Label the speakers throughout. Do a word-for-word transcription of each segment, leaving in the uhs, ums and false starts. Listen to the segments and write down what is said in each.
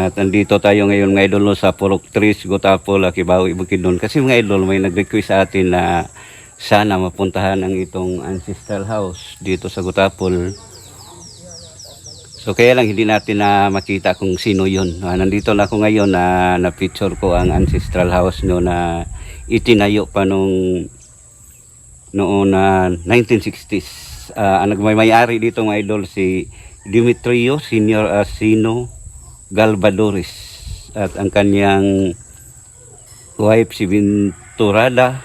Speaker 1: At nandito tayo ngayon mga idol no, sa Purok Tres, Gutapol, Akibawi, Bukidnon. Kasi mga idol may nag-request sa atin na sana mapuntahan ang itong ancestral house dito sa Gutapol. So kaya lang hindi natin na makita kung sino yun. Uh, nandito na ako ngayon na na-picture ko ang ancestral house nyo na itinayo pa nung noon na uh, nineteen sixties. Uh, ang nagmay-ari dito mga idol si Demetrio Senior Asino Galvadores at ang kanyang wife si Venturada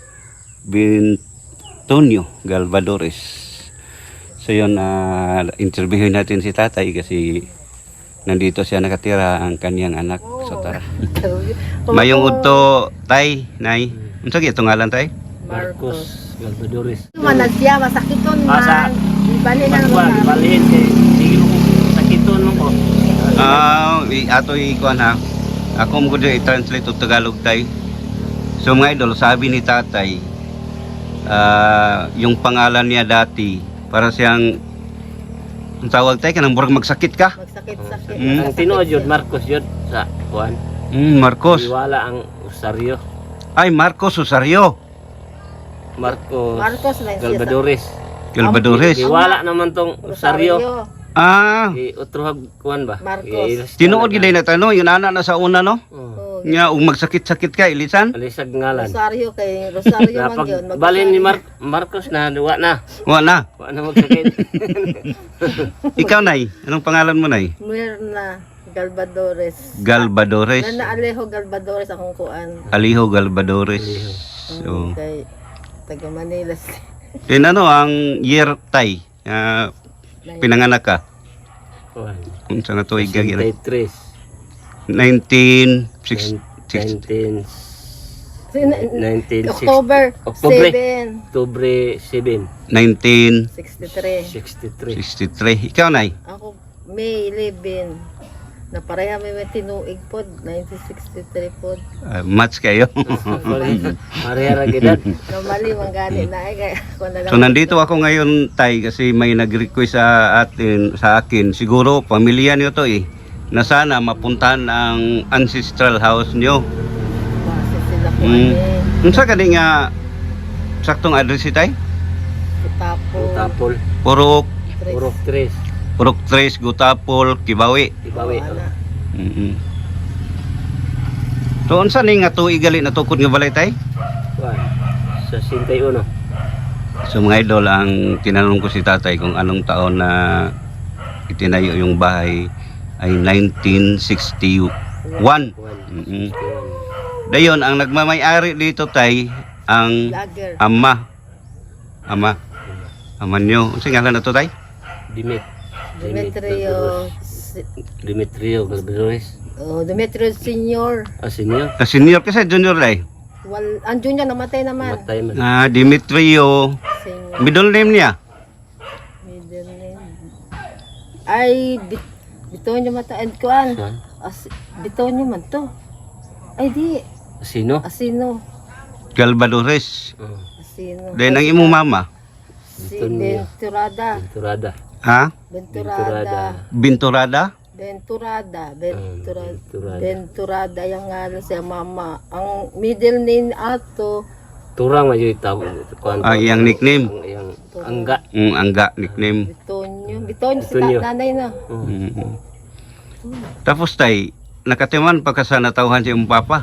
Speaker 1: Bintonio Galvadores. So yun, uh, interviewin natin si tatay kasi nandito siya nakatira ang kanyang anak. So tara. Mayong udto tay, nay. Unsa gyud ngalan tay?
Speaker 2: Marcos Galvadores.
Speaker 3: Manag siya masakiton
Speaker 2: Asa?
Speaker 3: man. Ibali na
Speaker 2: Magwa,
Speaker 3: naman.
Speaker 2: ibalhin kay sige mo kung sakiton mo ko.
Speaker 1: Ah, uh, ato ikuan ha. Ako mo gud i-translate og Tagalog tay. So mga idol, sabi ni tatay, uh, yung pangalan niya dati para siyang ang tawag tay kanang murag magsakit ka.
Speaker 3: Magsakit-sakit.
Speaker 1: Mm.
Speaker 2: Ang tinuod yun Marcos yun sa kuan.
Speaker 1: Mm, Marcos.
Speaker 2: Iwala ang Usario.
Speaker 1: Ay, Marcos Usario
Speaker 2: Marcos,
Speaker 3: Marcos na siya sa-
Speaker 2: Galvadores.
Speaker 1: Galvadores.
Speaker 2: Iwala naman tong Usario.
Speaker 1: Ah,
Speaker 2: I utruhag kuan ba?
Speaker 3: Marcos.
Speaker 1: tinuod gid na tanong, yun ana na sa una no.
Speaker 2: Oh.
Speaker 3: Oh,
Speaker 1: Nya ug magsakit-sakit ka ilisan.
Speaker 2: Alisag ngalan.
Speaker 3: Rosario kay Rosario man yun.
Speaker 2: Napag balhin ni Mar Marcos na duwa na.
Speaker 1: Wa na.
Speaker 2: Wa na magsakit.
Speaker 1: Ikaw nay, anong pangalan mo nay?
Speaker 3: Mirna Galvadores.
Speaker 1: Galvadores.
Speaker 3: Na Alejo Galvadores akong kuan.
Speaker 1: Aliho Galvadores. So,
Speaker 3: Kay taga Manila.
Speaker 1: din ano ang year tay? Ah, pinanganak ka?
Speaker 2: Kuan.
Speaker 1: Unsa na tuig ka gira?
Speaker 2: twenty-three.
Speaker 1: nineteen sixty.
Speaker 2: nineteen nineteen
Speaker 3: October
Speaker 2: October.
Speaker 3: seven,
Speaker 2: October seven,
Speaker 1: nineteen
Speaker 3: sixty-three.
Speaker 2: sixty-three.
Speaker 1: sixty-three. Ikaw nay?
Speaker 3: Ako May eleven. Na pareha may may tinuig pod nineteen sixty-three pod.
Speaker 1: Uh, match kayo.
Speaker 2: Marera gidad.
Speaker 3: Normally mangani na ay kaya ako na lang.
Speaker 1: So nandito ako ngayon tay kasi may nag-request sa atin sa akin. Siguro pamilya niyo to eh. Na sana mapuntahan ang ancestral house niyo.
Speaker 3: Base sila ko
Speaker 1: Mm.
Speaker 3: mm.
Speaker 1: Unsa kani nga saktong address si tay?
Speaker 3: Tapo.
Speaker 2: Tapol.
Speaker 1: Purok
Speaker 2: Purok tres.
Speaker 1: Purok Tres, Gutapol, Kibawi.
Speaker 2: Ibawi.
Speaker 1: Mm-hmm. So unsa ni nga tuig gali natukod nga balay tay?
Speaker 2: Kuan. Sa sixty-one.
Speaker 1: So mga idol, ang tinanong ko si tatay kung anong taon na itinayo yung bahay ay nineteen sixty-one. Mm-hmm. Dayon, ang nagmamay-ari dito tay, ang
Speaker 3: Lager.
Speaker 1: ama. Ama. Ama nyo. Unsa ngalan na to tay?
Speaker 2: Dimit.
Speaker 3: Demetrio.
Speaker 2: Demetrio Galvadores.
Speaker 3: Oh, Demetrio Senior.
Speaker 2: Ah, senior.
Speaker 1: Na senior kasi junior day.
Speaker 3: Wal, ang junior namatay naman.
Speaker 2: Matay man.
Speaker 1: Ah, Demetrio.
Speaker 3: Senior.
Speaker 1: Middle name niya.
Speaker 3: Middle name. Ay, bit, Bitonyo mata and kuan.
Speaker 2: Kuan.
Speaker 3: As, Bitonyo man to. Ay di,
Speaker 2: Sino?
Speaker 3: Asino.
Speaker 1: Galvadores.
Speaker 2: Oh.
Speaker 3: Asino.
Speaker 1: Then ang imong mama.
Speaker 3: Si
Speaker 2: Bitonyo.
Speaker 3: Venturada.
Speaker 2: Venturada.
Speaker 1: Ha?
Speaker 3: Venturada.
Speaker 1: Binturada?
Speaker 3: Venturada. Venturada.
Speaker 2: Venturada.
Speaker 3: Venturada yung nga siya mama. Ang middle name ato.
Speaker 2: Turang man yung tawag. Kuan.
Speaker 1: Ah, iyang nickname.
Speaker 2: Ang iyang angga.
Speaker 1: Mm, angga nickname.
Speaker 3: Bitonyo. Bitonyo si
Speaker 2: Bitonyo.
Speaker 3: ta- nanay na.
Speaker 2: Oh.
Speaker 1: Mm. Tapos tay, nakatiman pa ka sa natauhan si imong papa.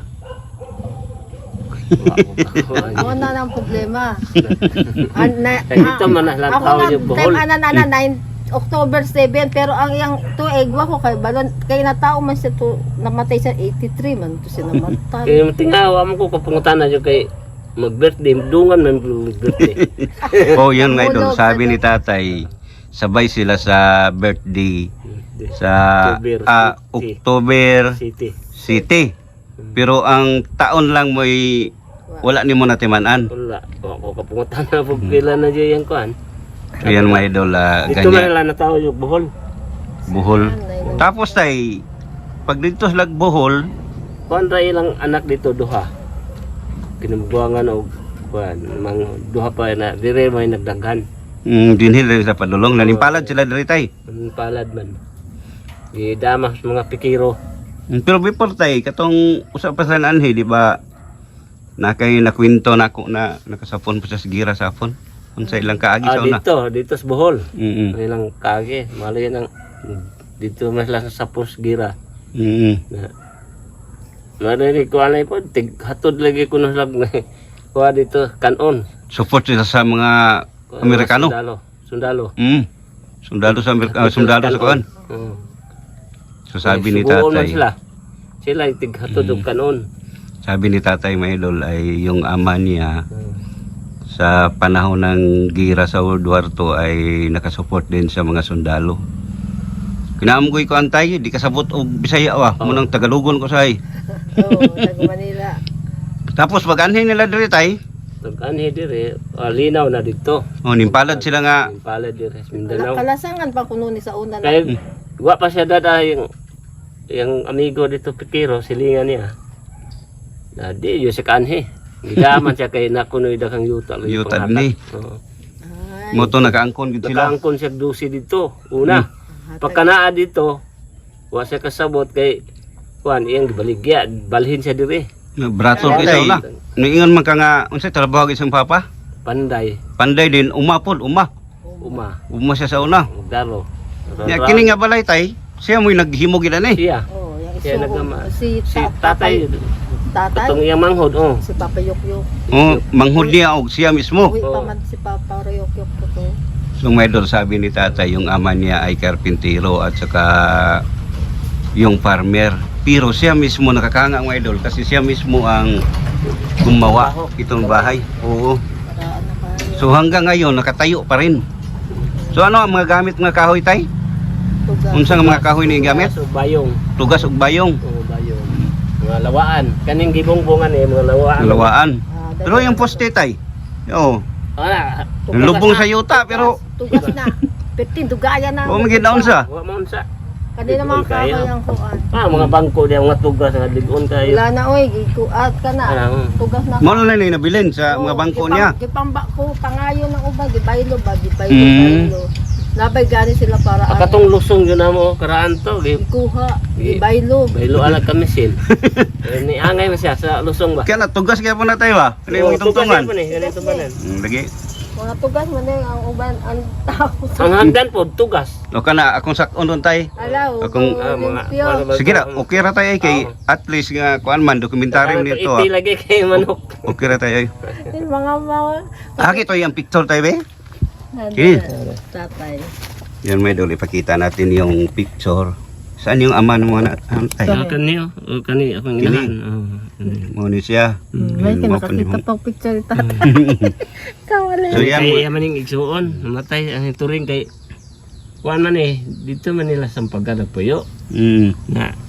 Speaker 3: Ano na ang problema? An, na,
Speaker 2: Eh, ito man na lang
Speaker 3: ako
Speaker 2: tao
Speaker 3: na,
Speaker 2: yung buhol.
Speaker 3: time ana na na nine October seven pero ang iyang tuig wa ko kay balon kay natao man siya to namatay siya eighty-three man to siya namatay.
Speaker 2: Kaya tingawa mo ko kapungutan na yung kay mag-birthday. Dungan man mag-birthday.
Speaker 1: Oh, yun nga idol. Sabi ni tatay, sabay sila sa birthday sa
Speaker 2: October
Speaker 1: ah,
Speaker 2: City.
Speaker 1: October
Speaker 2: City.
Speaker 1: City. Pero ang taon lang mo wala ni mo natimanan.
Speaker 2: Wala. Ako kapungutan na po kailan na dyan yung kuan.
Speaker 1: So yan mga idol, ah,
Speaker 2: Dito man
Speaker 1: ganyan.
Speaker 2: lang na tao yung buhol.
Speaker 1: Buhol. Tapos tay, pag dito sa Buhol,
Speaker 2: Kuan ra ilang anak dito duha. Kinambuangan og kuan mang duha pa na dire may nagdaghan.
Speaker 1: mm, dinhil rin sa padulong. Nanimpalad sila diri tay.
Speaker 2: Ang palad man. Di damas mga pikiro.
Speaker 1: Mm, Pero before tay, katong usapan sa anhi, di ba, na kay nakwento na ako na nakasapon pa sa gira sa apon. Unsa ilang kaagi
Speaker 2: Ah,
Speaker 1: sa una.
Speaker 2: dito, dito sa Bohol.
Speaker 1: Mm.
Speaker 2: Ilang kage, malo yan ang dito mas lang sa Pusgira.
Speaker 1: Mm.
Speaker 2: Na Marinig ko anay po, tig hatod lagi ko na lag na kuha dito kanon.
Speaker 1: Support sila sa mga Amerikano.
Speaker 2: Sundalo. Sundalo.
Speaker 1: Mm. Sundalo sa Amerika, ah, sundalo sa kuan.
Speaker 2: Oo.
Speaker 1: So sabi ni
Speaker 2: Subuon man
Speaker 1: tatay,
Speaker 2: sila. Sila yung tig hatod og kanon.
Speaker 1: sabi ni tatay mga idol ay yung ama niya
Speaker 2: Hmm.
Speaker 1: sa panahon ng gira sa World War Two ay nakasupport din sa mga sundalo. Kinamgoy ko antay, di kasabot og Bisaya wa, mo nang Tagalogon ko say.
Speaker 3: Oo, taga Manila.
Speaker 1: Tapos pag anhin nila diri tay,
Speaker 2: Tag anhi dire, ah, linaw na dito.
Speaker 1: oh nimpalad sila nga
Speaker 2: Impalad dire sa Mindanao.
Speaker 3: Kalasangan pa kuno ni sa una na.
Speaker 2: Kaya wa pa siya dada yung yung amigo dito Pikiro, silingan niya. Na di yo sa kanhi. Gidaman siya kay nakunoy dakang yuta. lagi
Speaker 1: Yuta
Speaker 2: panghatag.
Speaker 1: ni.
Speaker 2: Oo.
Speaker 3: Ay,
Speaker 1: mo to nakaangkon gid sila.
Speaker 2: Nakaangkon siya dusi dito. Una,
Speaker 3: hatag-
Speaker 2: pagkanaa dito, wa siya kasabot kay kuan iyang gibaligya, balhin siya dire.
Speaker 1: Braso
Speaker 3: Ay,
Speaker 1: isa na. Niingon man ka nga unsa trabaho gid sang papa?
Speaker 2: Panday,
Speaker 1: Panday din umapod, uma.
Speaker 2: uma,
Speaker 1: Uma siya sa una.
Speaker 2: daro.
Speaker 1: Ya kini nga balay tay, siya mo naghimo gid ani.
Speaker 2: Siya,
Speaker 3: Oo, yung
Speaker 2: siya
Speaker 3: isuo.
Speaker 2: nagama.
Speaker 3: Si,
Speaker 2: Si
Speaker 3: ta-
Speaker 2: tatay,
Speaker 3: tatay.
Speaker 2: katong iyang manghod, oh.
Speaker 3: Si Papa Yokyok.
Speaker 1: Oh, manghud niya og siya mismo.
Speaker 3: Uwi pa
Speaker 2: Oo.
Speaker 3: man si Papa Yokyok ko to.
Speaker 1: So may idol, sabi ni tatay yung ama niya ay karpintero at saka yung farmer. Pero siya mismo nakakanga mga idol kasi siya mismo ang gumawa itong bahay. Oo.
Speaker 3: Para ano ka.
Speaker 1: So hanggang ngayon nakatayo pa rin. So ano ang mga gamit nga kahoy tay?
Speaker 3: Tuga.
Speaker 1: Unsa nga mga kahoy ni gamit?
Speaker 2: So bayong,
Speaker 1: Tugas ug bayong,
Speaker 2: oh bayong. Mga lawaan, kaning gibongbongan eh, mga lawaan.
Speaker 1: lawaan.
Speaker 3: Ah,
Speaker 1: Pero yung poste tay. Oo.
Speaker 2: Ana,
Speaker 1: Lubong sa yuta pero
Speaker 3: Tugas na. Pertin tugaya na.
Speaker 1: o magid naon sa.
Speaker 2: wa man sa.
Speaker 3: Kanina mga
Speaker 2: Kaya.
Speaker 3: kahoy ang kuan.
Speaker 2: Ah, mga bangko diya, mga tugas nga ligon kayo.
Speaker 3: Wala na oy, gikuat ka na.
Speaker 2: Ano, mm.
Speaker 3: Tugas na.
Speaker 1: Mo na ni nabilin sa mga bangko niya.
Speaker 3: Gipamba ko pangayo ng uban, gibaylo ba, gibaylo,
Speaker 1: Mm.
Speaker 3: baylo. Nabay gani sila para ano,
Speaker 2: Akatong lusong yun na mo, karaan to. Gi-
Speaker 3: ikuha, gibaylo.
Speaker 2: Baylo alag kamisin. Eh, ni angay man siya sa lusong ba?
Speaker 1: Kaya na tugas kaya po na tayo ba? Ano yung
Speaker 2: Oh, tugas
Speaker 1: itungtungan?
Speaker 2: yan po ni, ganito ba nan?
Speaker 1: Hmm, lagi.
Speaker 3: Mga tugas man din ang uban ang tao.
Speaker 2: Ang hagdan po, tugas.
Speaker 1: O ka na, akong sakon doon tayo.
Speaker 3: Alaw,
Speaker 1: Akong-
Speaker 2: Ah, mga-
Speaker 3: limpyo.
Speaker 2: mga-
Speaker 1: Sige na, okay ra tayo ay kay at least nga kuan man dokumentaryo nito.
Speaker 2: Iti
Speaker 1: ah.
Speaker 2: lagi kay manok.
Speaker 1: Okay ra tayo ay.
Speaker 3: Yung mga mga
Speaker 1: Aki to yung picture tayo be.
Speaker 3: Ano,
Speaker 1: Okay.
Speaker 3: tatay.
Speaker 1: Yan may dol ipakita natin yung picture. Saan yung ama ng mga antay?
Speaker 2: Ah, kaniyo, oh, kani akong
Speaker 1: Kini.
Speaker 2: inahan. Oh, kani.
Speaker 1: Mo ni siya.
Speaker 3: May
Speaker 1: Yan,
Speaker 3: kinakakita
Speaker 1: mo-
Speaker 3: pa picture ni tatay. Kawali.
Speaker 1: So yan,
Speaker 2: Kay maning igsuon, namatay ang turing kay kuan man eh, dito man nila sampagan ng puyo.
Speaker 1: mm,
Speaker 2: Na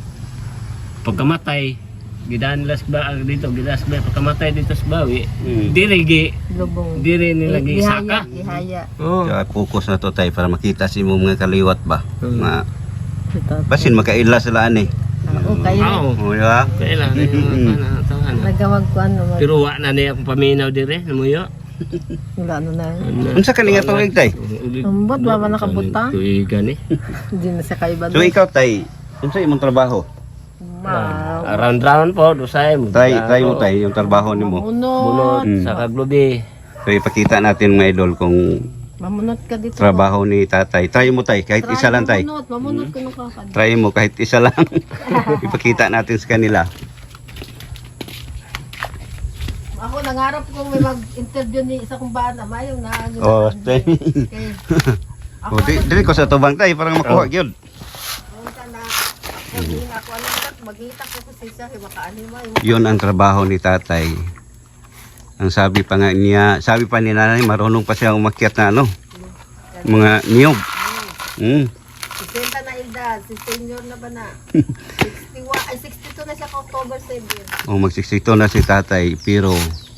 Speaker 2: pagkamatay, gidaan nila sa ba dito, gidaan sa ba, pagkamatay dito sa bawi,
Speaker 1: mm.
Speaker 2: dire gi,
Speaker 3: Lubong.
Speaker 2: dire nila gi
Speaker 3: Ihaya,
Speaker 2: saka.
Speaker 3: ihaya.
Speaker 2: Oh.
Speaker 1: Kaya focus na to tayo para makita si mo mga kaliwat ba.
Speaker 2: Hmm.
Speaker 1: Ma,
Speaker 3: Si tatay.
Speaker 1: basin makaila sila ani.
Speaker 3: Oo, kayo.
Speaker 2: Oo.
Speaker 1: O di ba?
Speaker 2: Kailan na tahan.
Speaker 3: Nagawag ko ano. mag-
Speaker 2: Pero wa na niya akong paminaw dire, namuyo.
Speaker 3: Wala ano na.
Speaker 1: Unsa ka nga tuig tay?
Speaker 3: Ambot, wala ba nakabutang?
Speaker 2: Tuigan eh.
Speaker 3: Hindi na siya kaiba.
Speaker 1: So ikaw tay, unsa imong trabaho?
Speaker 3: Ma.
Speaker 2: Round round po, dusay mo.
Speaker 1: Try, try mo tay yung trabaho nimo.
Speaker 3: Mamunot.
Speaker 2: Bunot
Speaker 1: Mm.
Speaker 2: sa kaglubi.
Speaker 1: So ipakita natin mga idol kung
Speaker 3: Mamunot ka dito.
Speaker 1: trabaho ni tatay. Try mo tay, kahit isa lang tay.
Speaker 3: Mamunot, mamunot ka nung kakad.
Speaker 1: Try mo kahit isa lang. Ipakita natin sa kanila.
Speaker 3: Ako nangarap kong may mag-interview ni isa kong bana, mayong na ano.
Speaker 1: Oh,
Speaker 3: na-
Speaker 1: tay.
Speaker 3: Okay. Ako
Speaker 1: Oh, di, dili ko sa tubang tay para makuha gyud.
Speaker 3: ano ka na. Ako din ako ano ka magita ko ko siya kay makaanima yung
Speaker 1: 'Yun ang trabaho ni tatay. Ang sabi pa nga niya, sabi pa ni nanay marunong pa siya umakyat na ano, mga niyog. Mm.
Speaker 3: sesenta na edad, si senior na ba na? sixty-one, ay sixty-two na siya ka October seven.
Speaker 1: O magsiksito na si tatay pero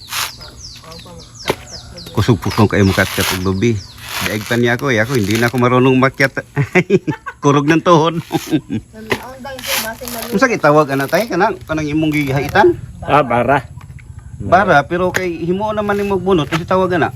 Speaker 1: kusog po kong kayo makatkat og lubi. Daig pa niya ako, eh, ako hindi na ako marunong umakyat. Kurog ng tuhod.
Speaker 3: Ang dahil siya base na
Speaker 1: Unsa gitawag ana tay kanang kanang imong gihaitan?
Speaker 2: Ah, bara.
Speaker 1: Bara pero kay himo naman ni magbunot kasi tawag ana.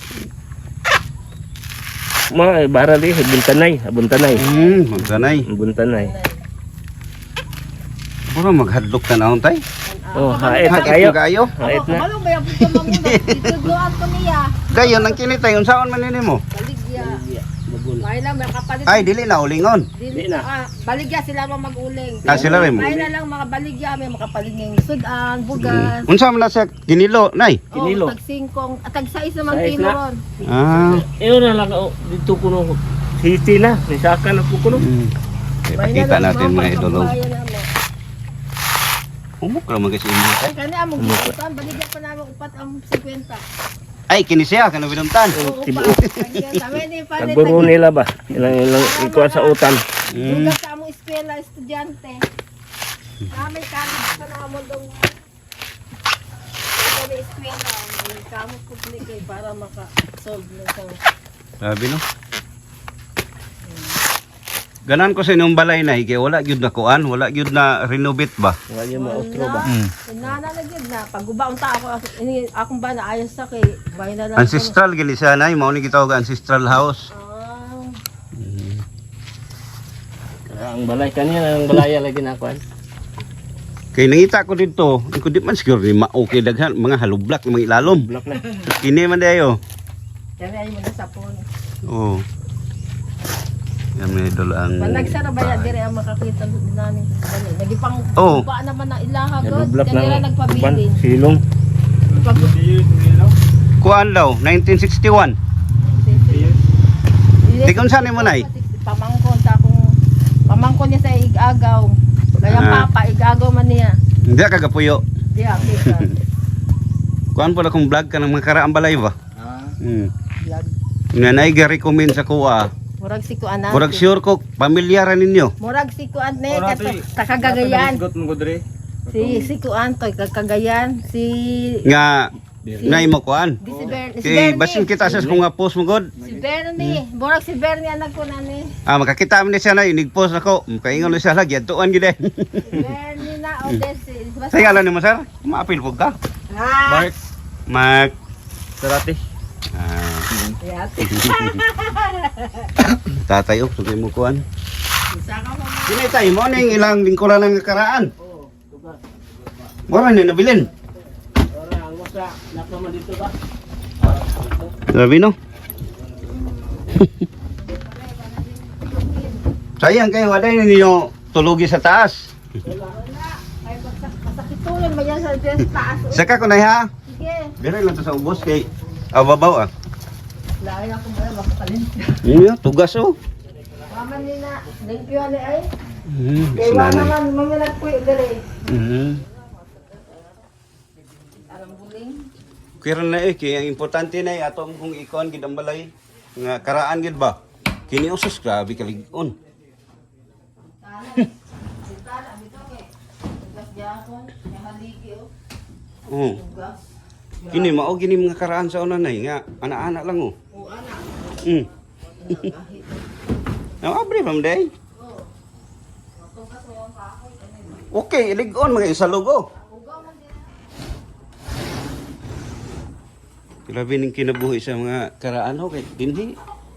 Speaker 2: Mga bara di, buntanay, buntanay.
Speaker 1: Hmm, magsanay.
Speaker 2: Buntanay.
Speaker 1: Puro maghadlok tanawon tay.
Speaker 2: Oh, hait
Speaker 1: Hait
Speaker 2: kayo.
Speaker 1: mo kayo.
Speaker 2: Hait na.
Speaker 3: Kabalo ba yung pagka mamuna? Ditudloan ko niya.
Speaker 1: Gayon ang kinitay unsaon man nimo?
Speaker 3: Baligya.
Speaker 2: Bagul.
Speaker 3: May lang, may kapalit.
Speaker 1: Ay dili na ulingon.
Speaker 3: Dili
Speaker 2: Di na.
Speaker 3: Ah, baligya sila mo mag-uling.
Speaker 1: Ah sila rin mo.
Speaker 3: May na lang mga baligya, may makapalit ng sudan, bugas.
Speaker 1: Unsa man na sa ginilo nay?
Speaker 2: Kinilo.
Speaker 3: Oh, tag singkong, at tag sais naman
Speaker 2: Sais
Speaker 3: kilo
Speaker 2: na.
Speaker 3: ron.
Speaker 1: Ah.
Speaker 2: Iyo na lang oh, dito kuno. City na, nisaka na po kuno.
Speaker 1: Mm. Okay,
Speaker 3: May
Speaker 1: pakita
Speaker 3: na lang
Speaker 1: natin mga idolo.
Speaker 3: pangkabayan namin.
Speaker 1: Umok raman kasi imo tay.
Speaker 3: Ay, kani among giutan, baligya pa namin upat ang fifty.
Speaker 1: Ay kini siya kanang binuntan.
Speaker 3: Oo,
Speaker 2: Tibo.
Speaker 3: upat. Kami ni pa ni
Speaker 2: Tagburo nila ba? Ilang ilang ikuha sa utan.
Speaker 1: Mm.
Speaker 3: Duga sa among eskwela estudyante. Kami kami sa namon dong kami eskwela, may kamo publiko eh, para maka-solve na sa
Speaker 1: Sabi no. Ganan ko sa inyong balay na kay wala gyud na kuan, wala gyud na renovate ba?
Speaker 2: Wala yung mautro ba?
Speaker 1: Mm.
Speaker 3: Inana na gyud na paggubaon ta ako ako- ini akong ba na ayos sa kay bay na lang.
Speaker 1: Ancestral gini siya nay, mao ni gitawag ancestral house.
Speaker 3: Ah,
Speaker 2: Ah, ang balay kanina, ang balaya lagi na kuan.
Speaker 1: Kay nangita ko dito, ko di man siguro ni mao kay daghan mga halublak mga ilalom.
Speaker 2: Block na.
Speaker 1: Kini man dayo.
Speaker 3: kami ay mo na sapon.
Speaker 1: Oh. Yan may idol ang
Speaker 3: Pag nagsara ba ya dire ang makakita nani. Dali, nagipang
Speaker 1: Oo.
Speaker 3: ba naman na ilaha
Speaker 2: Yan
Speaker 3: god.
Speaker 2: block
Speaker 3: Kaya nila
Speaker 2: na. Kuan,
Speaker 3: nagpabilin.
Speaker 2: silong.
Speaker 3: Pag
Speaker 1: kuan daw nineteen sixty-one. Di kung saan mo nay?
Speaker 3: Pamangkon ta akong pamangkon niya sa igagaw. Kaya
Speaker 1: Ah.
Speaker 3: papa igagaw man niya.
Speaker 1: Hindi ka kagapuyo.
Speaker 3: Di kita.
Speaker 1: Kuan pala kung vlog ka ng mga karaang balay ba?
Speaker 2: Ah.
Speaker 1: Hmm.
Speaker 3: Vlog.
Speaker 1: Nga nay ga-recommend sa kuha.
Speaker 3: Murag si kuan na.
Speaker 1: Murag sure ko pamilyar ninyo.
Speaker 3: Murag si kuan ne kakagayan. Si si kuan to kakagayan. Si
Speaker 1: Nga nay mo kuan.
Speaker 3: di si Ber si
Speaker 1: Kay
Speaker 3: Bernie.
Speaker 1: basin kita sa kung nga post mo god.
Speaker 3: Si Bernie. Murag si Bernie anak ko na ni.
Speaker 1: Ah makakita man ni siya nay nig-post ako. Kaingon ni siya lagi adtuan gid. eh.
Speaker 3: Si Bernie na o des.
Speaker 1: Sa ngalan nimo sir? Maapil pug ka.
Speaker 3: Ah.
Speaker 1: Mark.
Speaker 2: Sarati.
Speaker 1: Ah,
Speaker 3: Yati.
Speaker 1: tatay og sugay mo kuan.
Speaker 3: Isa ka mo.
Speaker 1: Dinay tay mo ning ilang lingkuran ng karaan.
Speaker 2: Oh, tugas.
Speaker 1: Mura ni nabilin.
Speaker 2: Ora ang wasa, napa man dito ba?
Speaker 1: Grabe no. Sayang kayo waday ninyo tulugi sa taas.
Speaker 3: Ay masakit tuloy mo yan sa des taas.
Speaker 1: Saka ko na ha.
Speaker 3: Sige.
Speaker 1: Dire lang to sa ubos kay ababaw ah.
Speaker 3: Lain ako mo makakalin.
Speaker 1: Iya, tugas oh.
Speaker 3: Mama ni na limpyo ni ay.
Speaker 1: Hmm,
Speaker 3: Kay wa
Speaker 1: sinanay.
Speaker 3: naman mga nagpuyo dire.
Speaker 1: Mhm.
Speaker 3: Alam buling.
Speaker 1: Kira na eh, kaya ang importante na eh, ato kung ikon gid ang balay. Nga karaan gid ba? Kini usos grabe kalig-on.
Speaker 3: Sintana bito kay. Gas gyapon, kay haligi o.
Speaker 1: Oh.
Speaker 3: Gas.
Speaker 1: Kini mao gini mga karaan sa una nay nga ana-ana lang oh.
Speaker 3: O ana.
Speaker 1: Mm. Now abri from day.
Speaker 3: Oh. Tugas mo yung kahoy kani.
Speaker 1: Okay, ilig-on mga isalugo.
Speaker 3: Ugaw man din.
Speaker 1: Grabe ning kinabuhi sa mga karaan ho kay dinhi.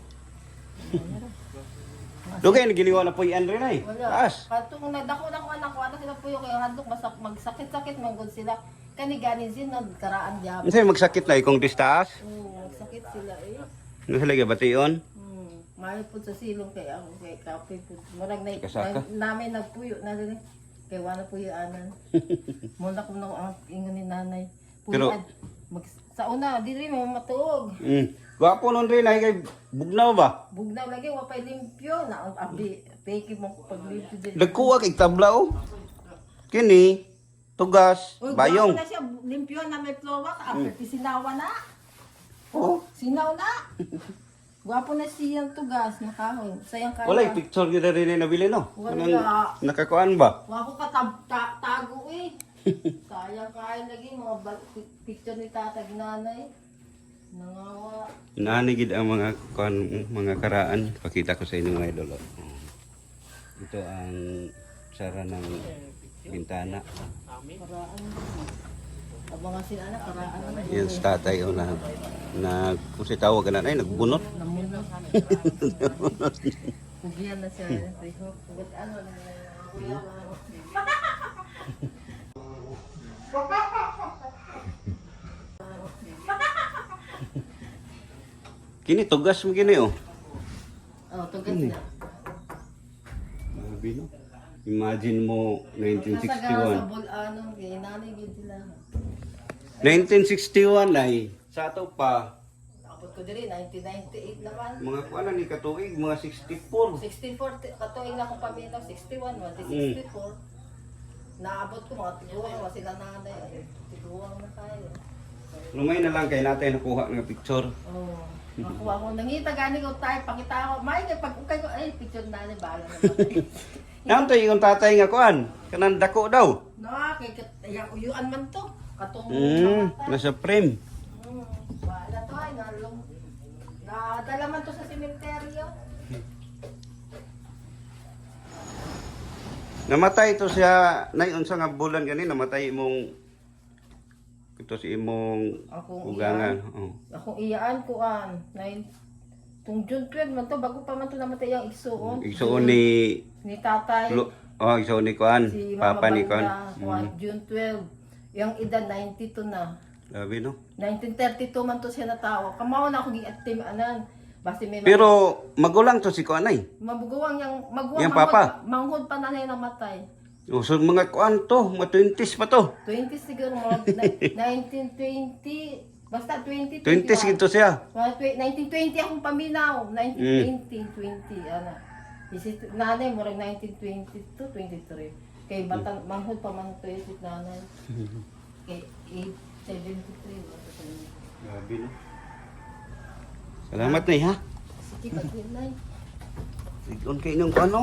Speaker 1: Dugay na giliwa na po yan rin ay.
Speaker 3: Wala.
Speaker 1: Taas.
Speaker 3: Katong nagdako na ko anak ko ana sila puyo kay handok masak magsakit-sakit man gud sila. Kani ganin sin nagkaraan gyapon.
Speaker 1: Unsay magsakit na ikong distaas?
Speaker 3: Oo, magsakit sila eh.
Speaker 1: Nahalagi bation.
Speaker 3: Hmm, may pud sa silong kay ako kay kape pud. Murag na
Speaker 1: Kasaka.
Speaker 3: namin nagpuyo na din. Kay wala puyo anan. Muna ko nang ang ingon ni nanay.
Speaker 1: Pero-
Speaker 3: Puyan. Mag, sa una diri mo matuog.
Speaker 1: Mm. Gwapo nun rin ay kay bugnaw ba?
Speaker 3: Bugnaw lagi wa pay limpyo na ang abi peki mo pag limpyo diri.
Speaker 1: Nagkuha kay tabla oh. Kini tugas
Speaker 3: Uy,
Speaker 1: bayong.
Speaker 3: gwapo na siya limpyo na may flowa ka after sinawa na.
Speaker 1: Oh.
Speaker 3: Sinaw na. Gwapo na siyang tugas na kahoy. Sayang kaya.
Speaker 1: Wala picture gyud rin ni nabili no.
Speaker 3: Wala.
Speaker 1: Anong nakakuan ba?
Speaker 3: Wako ka tab- ta- tago eh. Sayang kain lagi mga bal- pi- picture ni tatag nanay. Nangawa.
Speaker 1: Inaani gid ang mga kuan mga karaan. Pakita ko sa inyo mga idol. oh. Ito ang sara ng bintana.
Speaker 3: Karaan. Abangan sila anak karaan na.
Speaker 1: Yan sa tatay o na na kung si tawag ka na ay nagbunot.
Speaker 3: Namunod. Pugian na siya. Pugot ano na. Kuya.
Speaker 1: Kini tugas mo gini oh.
Speaker 3: Oh, tugas na.
Speaker 1: Grabe no. Imagine mo nineteen
Speaker 3: Nasa sa
Speaker 1: sixty-one.
Speaker 3: bulano, kay nanay gid sila.
Speaker 1: nineteen sixty-one ay sa ato pa
Speaker 3: Tapos ko diri nineteen ninety-eight naman.
Speaker 1: mga kuan ni katuig mga sixty-four.
Speaker 3: sixteen forty katuig na akong paminaw sixty-one, wati sixty-four. Naabot ko mga tiguang wa sila nanay ay tiguang na kayo.
Speaker 1: Lumay na lang kay natin nakuha nga picture.
Speaker 3: Oh. Makuha ko nangita gani ko tayo pakita ko. May kay pag ukay ko ay picture na ni bala na.
Speaker 1: Nantoy yung tatay nga kuan, kanang dako daw.
Speaker 3: No, kay kat- yang uyuan man to. Katong
Speaker 1: Mm,
Speaker 3: namatay.
Speaker 1: nasa frame.
Speaker 3: Hmm, wala to ay nalong. Nadala man to sa sementeryo.
Speaker 1: Namatay to siya, nay unsa nga bulan gani namatay imong ito si imong
Speaker 3: Akong
Speaker 1: ugangan. Oh.
Speaker 3: Akong iyaan ko an. Nine tung June twelve man to bago pa man to namatay ang igsuon.
Speaker 1: Igsuon ni
Speaker 3: Ni tatay.
Speaker 1: Lu- oh, igsuon ni kuan,
Speaker 3: Si
Speaker 1: papa ni kuan.
Speaker 3: Kuan. June twelve. Yung edad ninety-two na.
Speaker 1: Labi no.
Speaker 3: nineteen thirty-two man to siya natawo. Kamao na ako gi-active anan. Basta may
Speaker 1: Pero magulang to si kuan ay.
Speaker 3: mabuguwang yang maguwang
Speaker 1: Yang papa?
Speaker 3: manghod pa na na namatay.
Speaker 1: Oh, so mga kuan to, mga twenties pa to.
Speaker 3: twenty siguro mga nineteen twenty basta twenty
Speaker 1: twenties gito siya.
Speaker 3: Mga tw- nineteen twenty akong paminaw. nineteen twenty, twenty, ana. Isi nanay mo rin nineteen twenty-two, twenty-three. Kay bata manghod pa man to si nanay. Kay eight seventy-three.
Speaker 1: Grabe no. Salamat nay ha.
Speaker 3: Sige, pag-inay.
Speaker 1: Sigon kay inyong kuan no.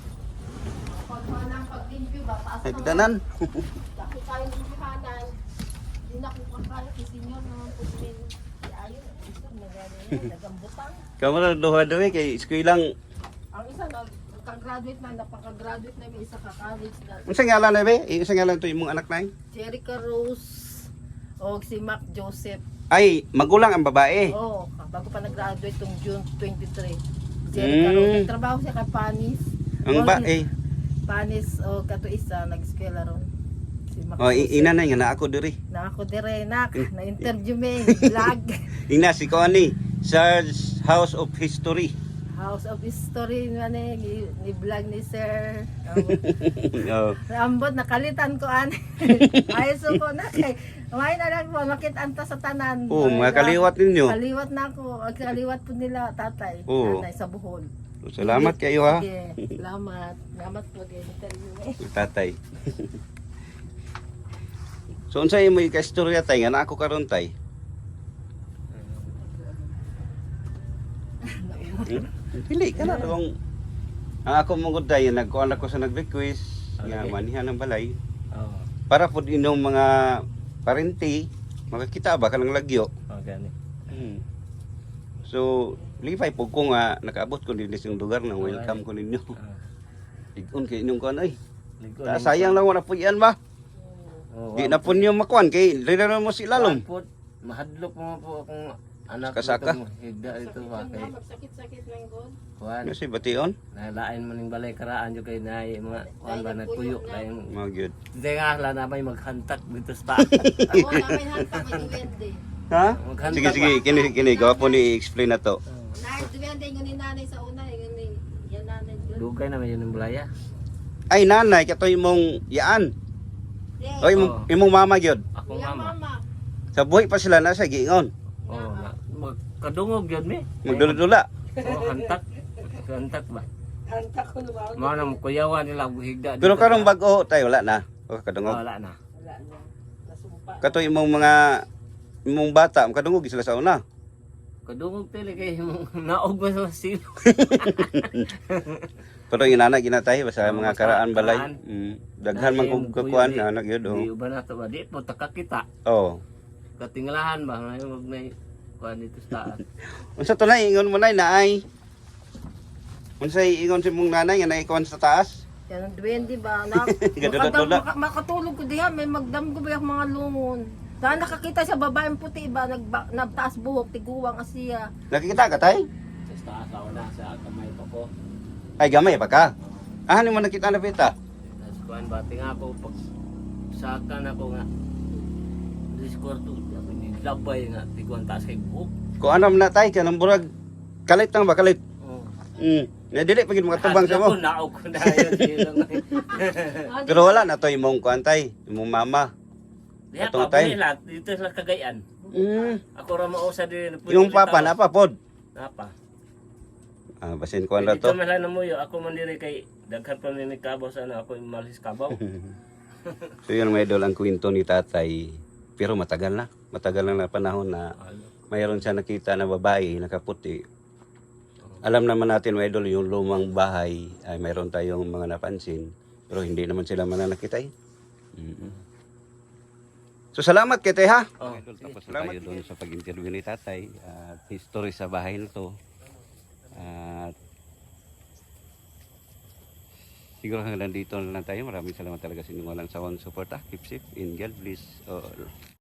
Speaker 3: Pag manang pag-limpyo ba, taas na.
Speaker 1: Nagdanan.
Speaker 3: Dako tayong limpyohanan. Hindi na kung kakaya kay senior naman po din. Si Ayo, isa nagano nagambutang.
Speaker 1: Kamara duha daw eh, kay eskwelaang
Speaker 3: Ang isa na kag-graduate na, napaka-graduate na may isa ka college na.
Speaker 1: unsa ngalan na be? Unsa ngalan to imong anak nay?
Speaker 3: Jerica Rose o si Mac Joseph.
Speaker 1: Ay, magulang ang babae.
Speaker 3: Oo, bago pa nag-graduate tong June twenty-three. Jerica
Speaker 1: Mm.
Speaker 3: Rose. Nagtrabaho siya kay Panis.
Speaker 1: Ang
Speaker 3: O,
Speaker 1: ba
Speaker 3: si-
Speaker 1: eh.
Speaker 3: Panis o kato isa, nag-eskwela ron. Si Mac
Speaker 1: Oh,
Speaker 3: Joseph.
Speaker 1: i- ina na nga na ako diri.
Speaker 3: Na ako dire, nak. Na-interview me, vlog.
Speaker 1: Ina si Connie, Sarge House of History.
Speaker 3: House of History nga ni, ni, ni vlog ni Sir.
Speaker 1: Oh.
Speaker 3: Ambot, nakalitan ko an. Ayos ko na kay. May na lang po, makitaan ta sa tanan.
Speaker 1: Oh, mga kaliwat ninyo.
Speaker 3: Kaliwat na ako. Ang kaliwat po nila, tatay.
Speaker 1: Oo.
Speaker 3: Tatay sa Bohol.
Speaker 1: Salamat kayo ha.
Speaker 3: Sige, salamat. Salamat po kay interview eh.
Speaker 1: Tatay. So unsa imo ika-istorya tay nga na ako karon tay? Hmm? Pili ka na kung ang ako mong day nagkuan ako sa nag-request nga
Speaker 2: Okay.
Speaker 1: manihan ng balay
Speaker 2: Oo.
Speaker 1: para pud inyong mga parente makakita ba kanang lagyo.
Speaker 2: Oh, gani.
Speaker 1: Hmm. So lipay po ko nga nakaabot ko din sa lugar na welcome ko ninyo. Igon kay inyong kuan ay. Ta, sayang lang wala po yan ba?
Speaker 2: Oh,
Speaker 1: Di na po niyo makuan kay lalo mo si lalom.
Speaker 2: Mahadlok mo po akong anak
Speaker 1: Kasaka?
Speaker 2: dito mo. Higda ito ba kay
Speaker 3: Sakit-sakit lang ko.
Speaker 2: kuan.
Speaker 1: Ano si Bation?
Speaker 2: Nalain mo ning balay karaan yo kay nay mga kuan ba nagpuyo kay
Speaker 1: Mga gyud.
Speaker 2: Hindi nga la na may maghantak dito sa
Speaker 3: Oo, namin hanta may duwende.
Speaker 1: Ha?
Speaker 2: Maghantak
Speaker 1: Sige sige, kini kini gawa po ni explain na to.
Speaker 3: Nay, duwende yung ni nanay sa una, yung ni yan nanay.
Speaker 2: Dugay na may yun ng balaya.
Speaker 1: Ay nanay, kato imong yaan. O imong,
Speaker 2: Oo.
Speaker 1: imong mama gyud.
Speaker 2: Ako
Speaker 3: Kuya
Speaker 2: mama.
Speaker 3: mama.
Speaker 1: Sa buhay pa sila nasa giingon.
Speaker 2: Oh, na, magkadungog yun mi.
Speaker 1: Magdula-dula.
Speaker 2: Oh, hantak. Hantak ba?
Speaker 3: Hanta ko lumaw.
Speaker 2: Mga nang kuyawan nila buhigda.
Speaker 1: Pero karong bag-o tayo wala na. O
Speaker 2: Oh,
Speaker 1: kadungog.
Speaker 2: wala na.
Speaker 3: Wala na. Nasumpa.
Speaker 1: Kato imong mga imong bata, kadungog sila sa una.
Speaker 2: Kadungog tili kay naog ba sa silo.
Speaker 1: Pero yung anak ginatay basta
Speaker 2: Oo,
Speaker 1: mga
Speaker 2: basta
Speaker 1: karaan balay.
Speaker 2: karaan.
Speaker 1: Mm. Daghan man kog kakuan na anak yun.
Speaker 2: Di
Speaker 1: Oh.
Speaker 2: ba na to ba? Di po takakita.
Speaker 1: Oh.
Speaker 2: Katingalahan ba? Ngayon wag may kuan dito sa taas.
Speaker 1: Unsa to nay ingon mo nay naay? Unsa ingon si mong nanay nga naikuan sa taas?
Speaker 3: Yan ang duwende ba? Na,
Speaker 1: Gadula-dula.
Speaker 3: makadam, maka, makatulog ko diha, may magdamgo ba yung mga lungon. Dahil nakakita sa babaeng puti ba, nagba, nagtaas buhok, tiguwang asiya.
Speaker 1: Nakikita ka tay?
Speaker 2: Sa taas ako na sa kamay pa ko.
Speaker 1: Ay gamay pa ka. Ah, ni mo nakita na pita?
Speaker 2: Tapos kuan ba tinga ako pag saka na ko nga. Diskorto, ako nilabay nga, tiguan taas kay buhok.
Speaker 1: Kung ano man na tay, kanang burag, kalit lang ba, kalit?
Speaker 2: Oh.
Speaker 1: Hmm. Nadili pagin mga tubang sa mo.
Speaker 2: Ako, naog ko na yun. sila nga.
Speaker 1: Pero wala na to imong kuan tay, imong mama.
Speaker 2: Diya
Speaker 1: Atong
Speaker 2: pa,
Speaker 1: tay.
Speaker 2: buhay lahat. Dito sa Cagayan.
Speaker 1: Hmm.
Speaker 2: Ako ra mausa din.
Speaker 1: Yung papa na pa pod.
Speaker 2: Napa.
Speaker 1: Ah, basin kuan ra
Speaker 2: Dito
Speaker 1: to.
Speaker 2: man lang namuyo. Ako man diri kay daghan pa ni kabaw sana ako yung malis kabaw.
Speaker 1: So yun mga idol ang kwento ni tatay. Pero matagal na. Matagal na na panahon na mayroon siya nakita na babae, nakaputi. Alam naman natin mga idol, yung lumang bahay ay mayroon tayong mga napansin. Pero hindi naman sila mananakita eh. Mm-mm. So salamat kay Tay ha.
Speaker 2: Oh,
Speaker 1: Idol, tapos na tayo doon sa pag-interview ni tatay. At history sa bahay na to. At siguro hanggang dito na lang tayo. Maraming salamat talaga sa inyong walang sawang support. Keep safe and God bless all.